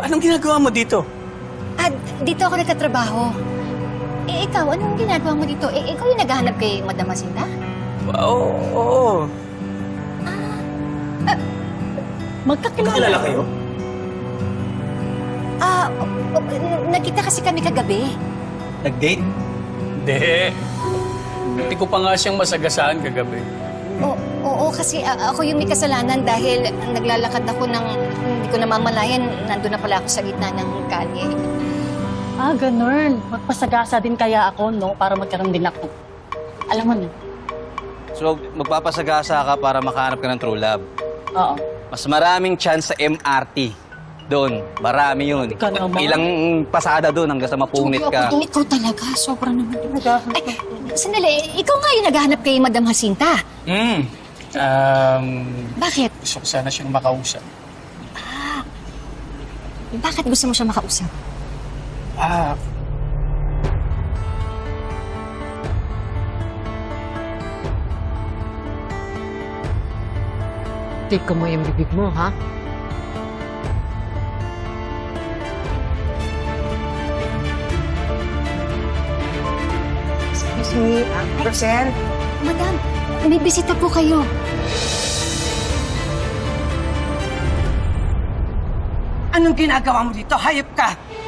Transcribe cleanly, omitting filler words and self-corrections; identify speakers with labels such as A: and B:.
A: Anong ginagawa mo dito?
B: Dito ako nagtatrabaho. Ikaw, anong ginagawa mo dito? Ikaw yung naghahanap kay Madam Jacinta?
A: Oo.
C: Magkakilala
A: kayo?
B: Nakita kasi kami kagabi.
A: Nag-date? Hindi. Hindi ko pa nga siyang masagasaan kagabi.
B: Oo, kasi ako yung may kasalanan dahil naglalakad ako ng hindi ko namamalayan. Nandun na pala ako sa gitna ng kalye.
C: Ganun. Magpasagasa din kaya ako, no? Para magkaroon din ako. Alam mo na.
D: So, magpapasagasa ka para makahanap ka ng true love.
C: Oo.
D: Mas maraming chance sa MRT. Doon, marami yun.
C: Ikaw naman.
D: Ilang pasada doon hanggang sa mapunit ka.
B: Ikaw talaga, sobra naman. Sandali, ikaw nga yung naghahanap kay Madam Jacinta. Bakit?
A: Gusto ko sana siyang makausap.
B: Bakit gusto mo siya makausap?
E: Tika mo yung bibig mo, ha?
F: Excuse me, Rosel?
B: Madam, may bisita po kayo.
F: Anong ginagawa mo dito? Hayop ka!